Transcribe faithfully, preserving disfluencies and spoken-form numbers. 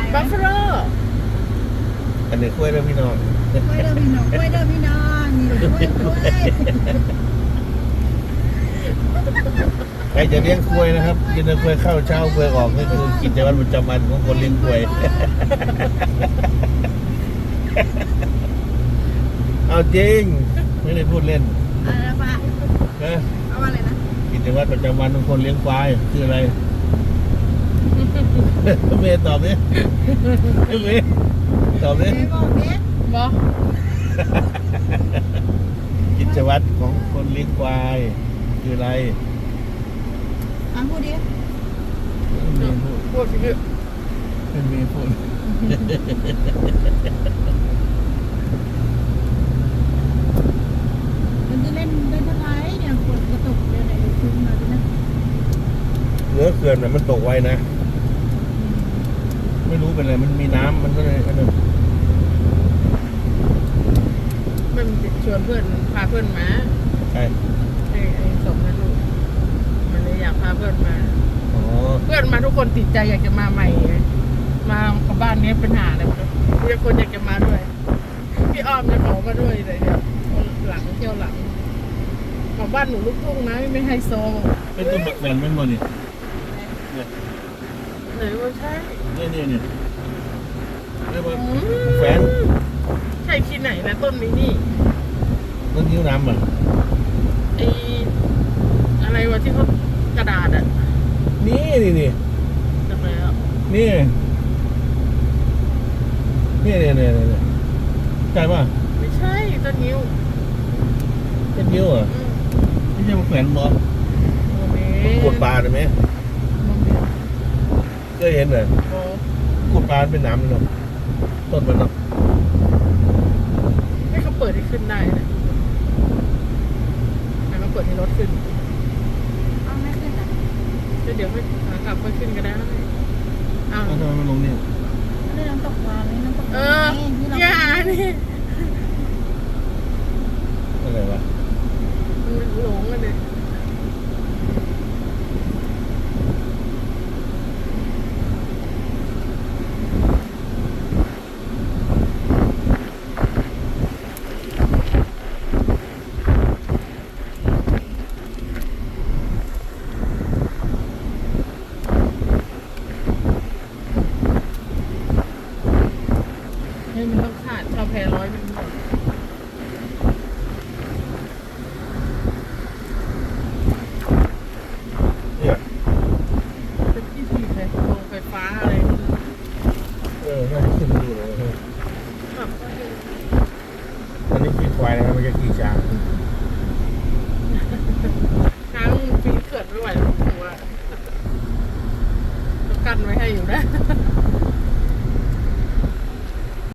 บัฟฟาโลอันนี้กล้วยเด้อพี่น้องกล้วยเด้อพี่น้องกล้วยเด้อพี่น้องนี่กล้วยกล้วยใครจะเลี้ยงกล้วยนะครับกินกล้วยเข้าเช้ากล้วยออกก็คือกิจวัตรประจำวันของคนเลี้ยงกล้วยเอาจริงไม่ได้พูดเล่นอะไรนะป้านะเอาว่าอะไรนะกิจวัตรประจำวันของคนเลี้ยงควายคืออะไรเมย์ตอบดิเมย์ตอบดิเจ๊บอกเจ๊บอกิจวัตรของคนเลี้ยงควายคืออะไรอ่ะพูดดิเมย์พูดพูดสิพี่เป็นเมย์พูดมันจะเล่นเล่นอะไรเนี่ยฝนกระตกเดี๋ยวไหนคืนมาดินะเนื้อเขื่อนน่ะมันตกไวนะไม่รู้เป็นอะไรมันมีน้ำมันก็เลยอันนั้นมันชวนเพื่อนพาเพื่อนมาใช่ไอ้ไอ้สมนั่นลูกมันเลยอยากพาเพื่อนมาอ๋อเพื่อนมาทุกคนติดใจอยากจะมาใหม่ไงมากับบ้านนี้เป็นหาอะไรหมดเลยมีคนอยากจะมาด้วยพี่อ้อมจะขอมาด้วยเลยเดี๋ยวหลังเที่ยวหลังของบ้านหนูลูกทุ่งนะไม่ไฮโซเป็นต้นบักแวนเป็นบ่นี่เนี่ยไหนว่าใช่เนี่ยเนี่ยเนี่ยเรียกว่าอืมแฟนใช่ที่ไหนนะต้นนี้นี่ต้นนิ้วน้ำอ่ะไออะไรวะที่เขากระดาษอะนี่นี่นี่จำได้แล้วนี่นี่เนี่ยเนี่ยเนี่ยใช่ป่ะไม่ใช่ต้นนิ้วต้นนิ้วอ่ะอืมไม่ใช่บักแวนบอโมเมกดปลาได้ไหมโมเมเคยเห็นเหรอโอ้กดปลาเป็นน้ำเลยเนาะต้นมันเนาะให้เขาเปิดให้ขึ้นได้นะให้เขาเปิดให้รถขึ้นเอาไม่ขึ้นอ่ะก็เดี๋ยวให้ขากลับไปขึ้นก็ได้อ้าวแล้วทำไมมันลงนี่ไม่ได้น้ำตกวานนี่น้ำตกเอวาอนนี่ที่เราอย่านี่อะไรวะมันหลงกันเลยให้มันต้องขาดชาวแพรร้อยมันหมดเนี่ยเป็นที่ถีบเลยโรงไฟฟ้าอะไรนี่เออน่าจะขึ้นมาดูเลยแบบว่าอันนี้ขี่ควายนะครับไม่ใช่ขี่ช้างช้างปีนเขื่อนไม่ไหวหรอกผมว่าต้องกันไว้ให้อยู่นะ